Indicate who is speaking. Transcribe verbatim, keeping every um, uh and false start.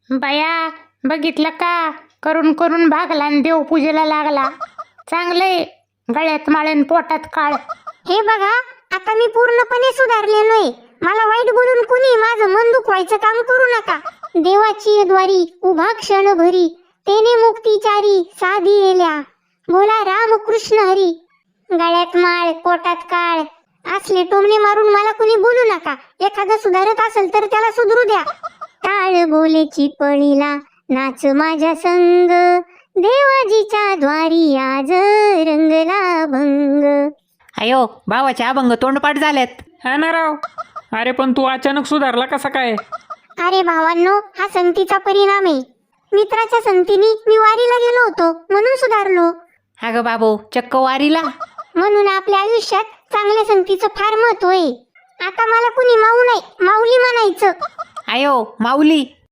Speaker 1: बया, बघितलं का? करून करून भागला आणि देवपूजेला लागला. चांगलंय, गळ्यात माळेन पोटात काळ.
Speaker 2: हे बघा, आता मी पूर्णपणे सुधारलेलोय. मला वाईट बोलून कुणी माझं मन दुखवायचं काम करू नका. देवाची द्वारी उभा क्षण भरी, तेने मुक्तीचारी साधी येल्या. बोला राम कृष्ण हरी. गळ्यात माळ पोटात काळ असले टोमणे मारून मला कुणी बोलू नका. एखादं सुधारत असेल तर त्याला सुधरू द्या. टाळ बोलेची पळीला नाच माझ्या संग, देवाजीच्या द्वारी आज रंगला भंग.
Speaker 3: अयो, भावाचे अभंग तोंडपाठ झालेत.
Speaker 4: हा ना राव. अरे पण तू अचानक सुधारला कसा काय?
Speaker 2: अरे भावांनो, हा संगतीचा परिणाम आहे. मित्राच्या संगतीने मी वारीला गेलो होतो म्हणून सुधारलो.
Speaker 3: अगं बाबू, चक्क वारीला?
Speaker 2: म्हणून आपल्या आयुष्यात चांगल्या संगतीचं फार महत्व आहे. आता मला कुणी माऊ नाही, माऊली म्हणायचं.
Speaker 3: अयो माऊली.